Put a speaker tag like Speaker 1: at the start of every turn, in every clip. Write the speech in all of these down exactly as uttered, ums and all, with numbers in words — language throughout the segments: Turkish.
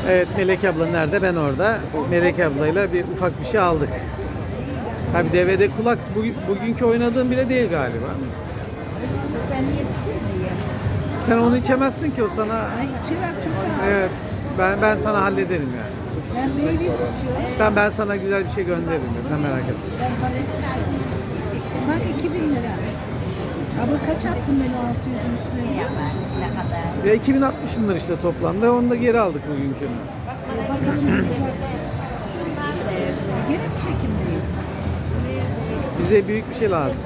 Speaker 1: Evet, Melek abla nerede? Ben orada. Melek ablayla bir ufak bir şey aldık. Tabii D V D kulak bugün, bugünkü oynadığım bile değil galiba.
Speaker 2: Ben yedim diye.
Speaker 1: Sen onu içemezsin ki, o sana.
Speaker 2: Ay içemem çok ağır.
Speaker 1: Evet, ben ben sana hallederim yani.
Speaker 2: Ben meyve içiyorum.
Speaker 1: Ben ben sana güzel bir şey gönderirim de, sen merak etme.
Speaker 2: Ben palet içiyorum. Bak iki bin lira. Abla kaç attın beni altı yüzün üstüne biliyor musun? Ne kadar?
Speaker 1: Ya iki bin altmışındır işte toplamda. Onu da geri aldık bugünkünü.
Speaker 2: Bakalım olacak. Gene mi çekimdeyiz?
Speaker 1: Bize büyük bir şey lazım.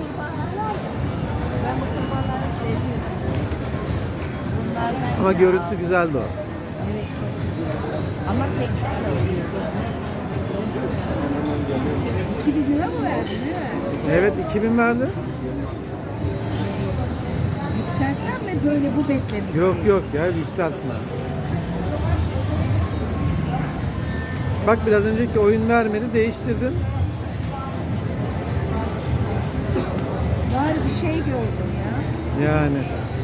Speaker 1: Ama görüntü güzeldi o.
Speaker 2: Evet çok güzel. Ama tekrar oluyor. iki bin lira mı verdin değil mi?
Speaker 1: Evet, iki bin verdi.
Speaker 2: Yükselsem mi böyle bu beklemek?
Speaker 1: Yok yok ya, yükseltme. Bak, biraz önceki oyun vermedi, değiştirdin.
Speaker 2: Var bir şey gördüm ya.
Speaker 1: Yani.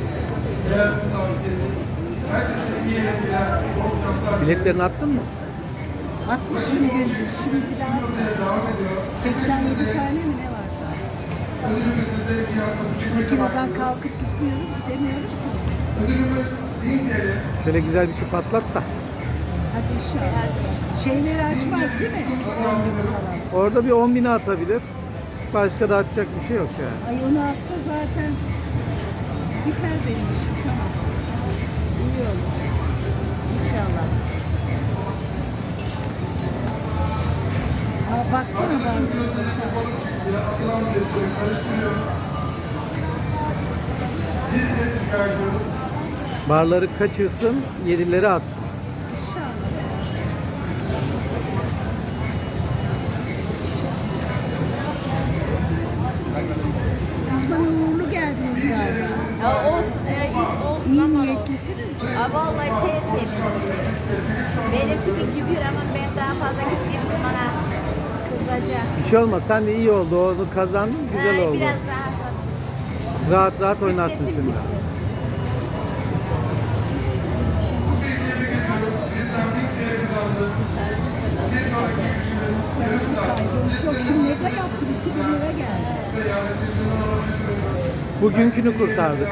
Speaker 1: Biletlerini attın mı?
Speaker 2: Atmıştım gündüz. Şimdi bir daha seksen yedi tane mi ne var zaten? Makineden kalkıp gitmiyorum, gidemiyorum ki.
Speaker 1: Şöyle güzel bir şey patlat da.
Speaker 2: Hadi inşallah. Şeyleri açmaz değil mi? on bin falan.
Speaker 1: Orada bir on bini atabilir. Başka da atacak bir şey yok yani.
Speaker 2: Ay onu atsa zaten biter benim işim. Tamam. İyi olur. İnşallah. Aa, baksana ben.
Speaker 1: Barları kaçırsın, yedileri atsın.
Speaker 2: İnşallah. Siz bana uğurlu geldiniz galiba.
Speaker 3: Ya olsun, e, olsun
Speaker 2: İyi
Speaker 3: ama olsun.
Speaker 2: niyetlisiniz ya.
Speaker 3: Aa, vallahi sevmedim. Benimki bir kübür ama ben daha fazla gitmeyeyim bana kızacak.
Speaker 1: Bir şey olmaz, sen de iyi oldu. Onu kazandın, güzel
Speaker 3: Ay,
Speaker 1: oldu.
Speaker 3: biraz daha
Speaker 1: Rahat rahat oynarsın şimdi.
Speaker 2: Yok şimdi ne kadar yaptım? iki bin lira geldi.
Speaker 1: Bugünkünü kurtardık.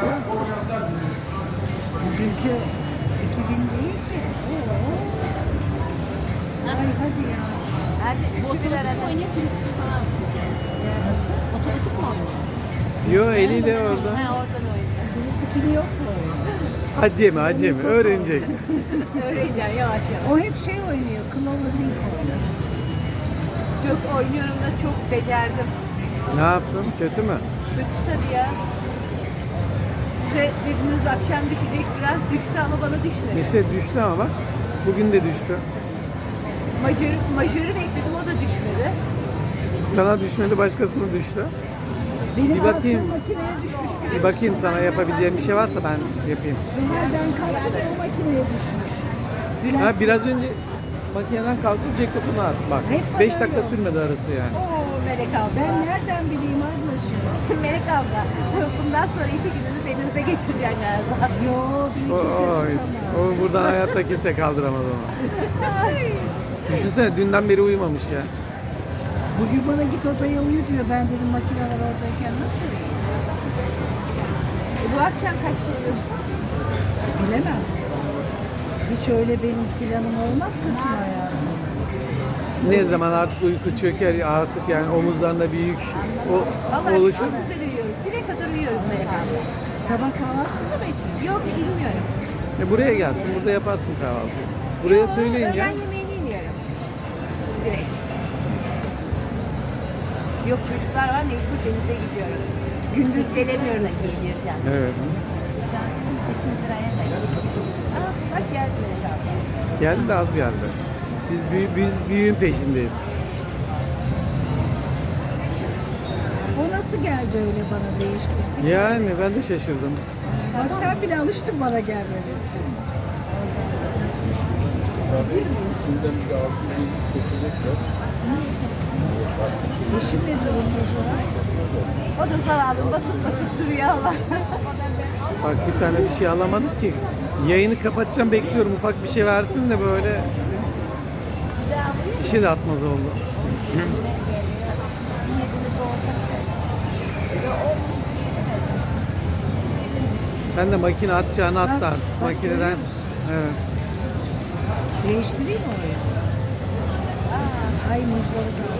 Speaker 2: Bugünkü iki bin değil ki. Oo. Ay hadi ya.
Speaker 3: hadi kübür arada.
Speaker 2: Nasıl?
Speaker 3: Otomatik mi oynuyor?
Speaker 1: Yo, eliyle orada.
Speaker 3: Ha, oradan oynuyor.
Speaker 2: Birisi pili yok mu?
Speaker 1: Acemi acemi, öğrenecek.
Speaker 3: Öğreneceğim yavaş yavaş.
Speaker 2: O hep şey oynuyor. Clover Link oynuyor.
Speaker 3: Çok oynuyorum da çok becerdim.
Speaker 1: Ne yaptın? Kötü mü?
Speaker 3: Kötü tabii ya. Size dediniz akşam düşecek, biraz düştü ama bana düşmedi.
Speaker 1: Neyse, düştü ama bak. Bugün de düştü.
Speaker 3: Majörü, majörü bekledim, o da düşmedi.
Speaker 1: Sana düşmedi, başkasına düştü.
Speaker 2: Benim
Speaker 1: Bir bakayım.
Speaker 2: altın makineye düşmüş bile.
Speaker 1: Bir bakayım, sana yapabileceğim bir şey varsa ben yapayım.
Speaker 2: Zuhal'den kalktı da o makineye düşmüş.
Speaker 1: Ha, biraz önce makineden kalkıp ceketini at. Bak,
Speaker 2: Hep bana
Speaker 1: beş dakika
Speaker 2: öyle.
Speaker 1: sürmedi arası yani.
Speaker 3: Oo Melek abla.
Speaker 2: Ben nereden bileyim ablacığım?
Speaker 3: Melek abla. Bundan sonra iki gününü denizde geçireceksin galiba.
Speaker 2: Yo bir
Speaker 1: O,
Speaker 2: kimse
Speaker 1: o,
Speaker 2: tutamaz.
Speaker 1: o buradan hayatta kimse kaldıramaz onu. Düşünsene, dünden beri uyumamış ya.
Speaker 2: Bugün bana git odaya uyu diyor. Ben dedim makineler oradayken nasıl uyuyayım?
Speaker 3: E, bu akşam kaçta uyuyorsun?
Speaker 2: Bilemem. Hiç öyle benim planım olmaz kızım hayatım.
Speaker 1: Ne zaman artık uyku çöker, artık yani omuzlarında bir yük o,
Speaker 3: Vallahi
Speaker 1: oluşur.
Speaker 3: çok güzel uyuyoruz. Bire kadar uyuyoruz Melek abla.
Speaker 2: Sabah kahvaltı mı bekliyorsun?
Speaker 3: Yok bilmiyorum.
Speaker 1: E, buraya gelsin, burada yaparsın kahvaltıyı. Buraya söyleyin ya.
Speaker 3: Öğlen yemeğini iniyorum. Direkt. Yok çocuklar var, mecbur denize gidiyorum. Gündüz gelemiyorum da gelirken.
Speaker 1: Evet.
Speaker 3: sekiz liraya da Aa, bak geldi Melek abla.
Speaker 1: Geldi de az geldi. Biz, büyü, biz büyüğün peşindeyiz.
Speaker 2: O nasıl geldi öyle bana değiştirdi?
Speaker 1: Yani ben de şaşırdım.
Speaker 2: Bak sen bile alıştın bana gelmemesi. Eşim ne durumda Zuhal?
Speaker 3: O da zavallı basıp basıp duruyor ama.
Speaker 1: Bak, bir tane bir şey alamadık ki. Yayını kapatacağım, bekliyorum ufak bir şey versin de böyle bir şey de atmaz oldu. Ben de makine atacağını attı
Speaker 2: Bak,
Speaker 1: artık
Speaker 2: bak,
Speaker 1: makineden.
Speaker 2: görüyor musun?
Speaker 1: Evet.
Speaker 2: Değiştireyim mi orayı? Ay muzları da.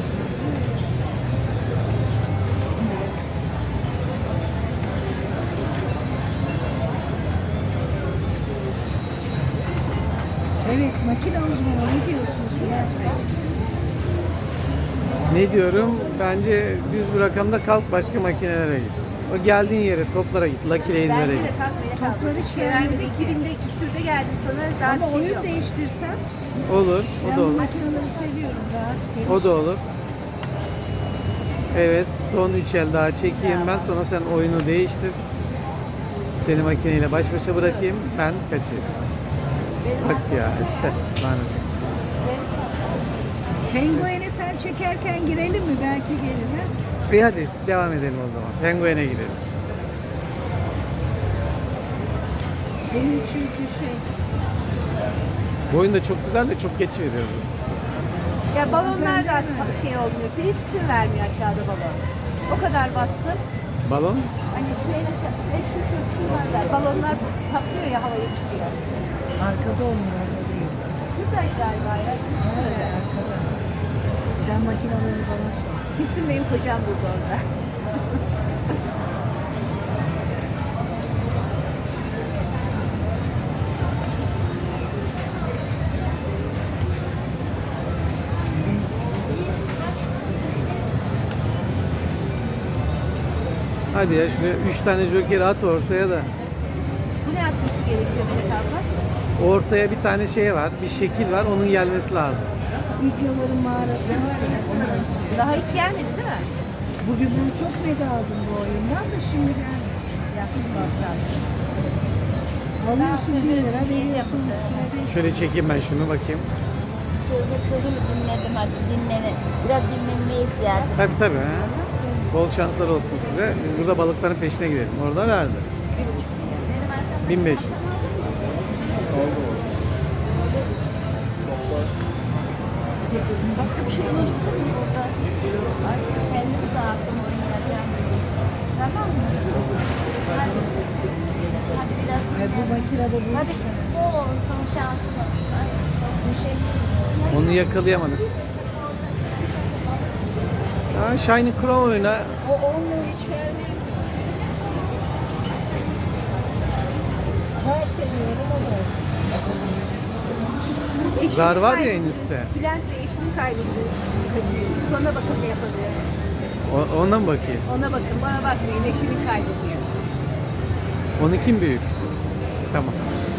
Speaker 2: Evet, makine uzmanı ne diyorsunuz Nihat Bey?
Speaker 1: Ne diyorum? Bence düz bir rakamda kalk, başka makinelere git. O geldiğin yere, toplara git, Lucky Lane'lere
Speaker 3: Bence
Speaker 1: git.
Speaker 3: de kalkmaya
Speaker 2: Topları
Speaker 3: kalk.
Speaker 2: hiç
Speaker 3: Şey vermedi.
Speaker 2: vermedi ki.
Speaker 3: iki binde küsürde geldim sana. Daha
Speaker 2: Ama
Speaker 3: bir şey
Speaker 2: oyun
Speaker 3: yok.
Speaker 2: değiştirsem,
Speaker 1: Olur, o
Speaker 2: ben
Speaker 1: da
Speaker 2: bu
Speaker 1: olur.
Speaker 2: makineleri seviyorum, rahat, geniş.
Speaker 1: O da olur. Evet, son üç el daha çekeyim ben, sonra sen oyunu değiştir. Seni makineyle baş başa bırakayım, ben kaçayım. Bak ya işte, lanet.
Speaker 2: Penguen'e sen çekerken girelim mi? Belki gelir ha?
Speaker 1: İyi hadi devam edelim o zaman. Penguen'e gidelim.
Speaker 2: Benim çünkü şey,
Speaker 1: Bu oyun da çok güzel de çok geç veriyoruz.
Speaker 3: Ya balonlar da şey olmuyor. Free spin vermiyor aşağıda balon. O kadar bastı.
Speaker 1: Balon?
Speaker 3: Hani şeyin aşağısı. Hep şu şu şuralarda. Balonlar patlıyor ya havaya çıkıyor.
Speaker 2: arkada olmuyor, orada değil.
Speaker 3: Şuradaydı galiba ya.
Speaker 2: Nerede arkada? Sen makineleri bana sor.
Speaker 3: Kesin benim kocam burada orada.
Speaker 1: Hadi ya şuraya üç tane joker at ortaya da.
Speaker 3: Bu ne yapması gerekiyor Melek abla?
Speaker 1: Ortaya bir tane şey var, bir şekil var, onun gelmesi lazım.
Speaker 2: İlknur'un mağarası var ya, ondan.
Speaker 3: Daha hiç gelmedi değil mi?
Speaker 2: Bugün bunu çok meda aldım bu oyundan da şimdi geldi.
Speaker 3: Yakın bakkal.
Speaker 2: Alıyorsun bir lira, veriyorsun üstüne beş.
Speaker 1: Şöyle çekeyim ben şunu bakayım.
Speaker 3: Şöyle sözümü dinledim hadi dinlene. Biraz dinlenmeye ihtiyacım.
Speaker 1: Tabii tabii. Ha. Bol şanslar olsun size. Biz burada balıkların peşine gidelim. Orada verdi. bin beş yüz.
Speaker 3: Başka bir şey unuttum mu burada? Ay kendimi dağıttım oynayacağım. Tamam mı? Hadi. Hadi biraz.
Speaker 2: Ay bu makinede bu.
Speaker 3: Hadi bol olsun şansın. Ay, teşekkür
Speaker 1: Onu yakalayamadık. Ha, Shiny Crow oyna.
Speaker 2: O onunla hiç vermiyor. Zar seviyorum o da.
Speaker 3: Eşimi
Speaker 1: Zar var ya
Speaker 3: kaybettim.
Speaker 1: en üstte.
Speaker 3: Bülent ve eşimi kaybettim. Siz ona bakın ne yapabilir.
Speaker 1: O, ona mı bakayım?
Speaker 3: Ona bakın bana bakmayın eşimi kaybediyor.
Speaker 1: Onu kim büyük? Tamam.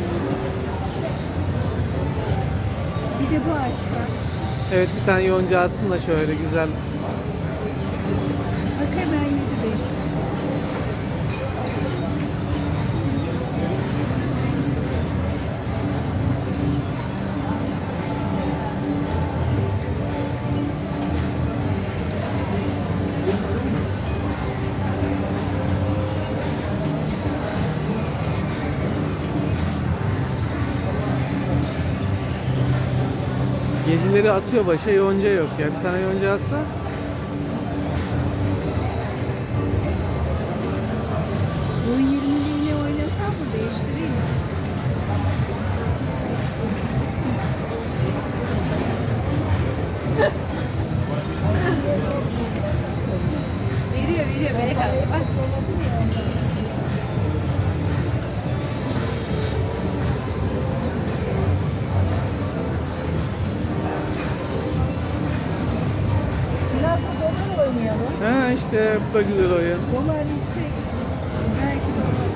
Speaker 2: Bir de bu açsa.
Speaker 1: Evet bir tane yonca atsın da şöyle güzel.
Speaker 2: Bak hemen yedi beş yüz.
Speaker 1: Yedileri atıyor başa, yonca yok ya. Bir tane yonca atsa.
Speaker 2: Bu yirmiliğini oynasam mı değiştireyim mi?
Speaker 3: Veriyor veriyor Melek abla bak.
Speaker 2: Biraz da dolar oynayalım.
Speaker 1: Ha işte bu da güzel oyun.
Speaker 2: Dolar yüksek. Belki dolar.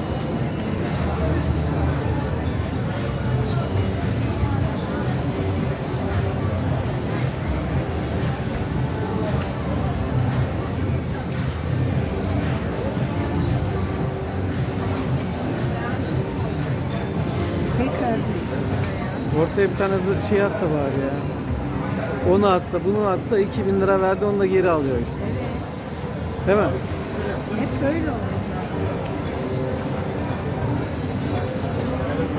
Speaker 2: Tekrar düştü.
Speaker 1: Ortaya bir tane zı- şey atsa bari ya. Onu atsa, bunu atsa iki bin lira verdi, onu da geri alıyor işte. Değil mi?
Speaker 2: Hep böyle olacak.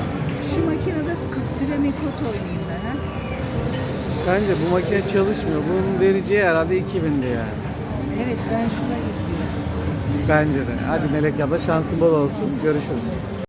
Speaker 2: şu makinede Flamingos oynayayım ben ha.
Speaker 1: Bence bu makine çalışmıyor. Bunun vereceği herhalde iki bindi yani.
Speaker 2: Evet ben şuna gidiyorum.
Speaker 1: Bence de. Hadi Melek abla şansın bol olsun. Görüşürüz.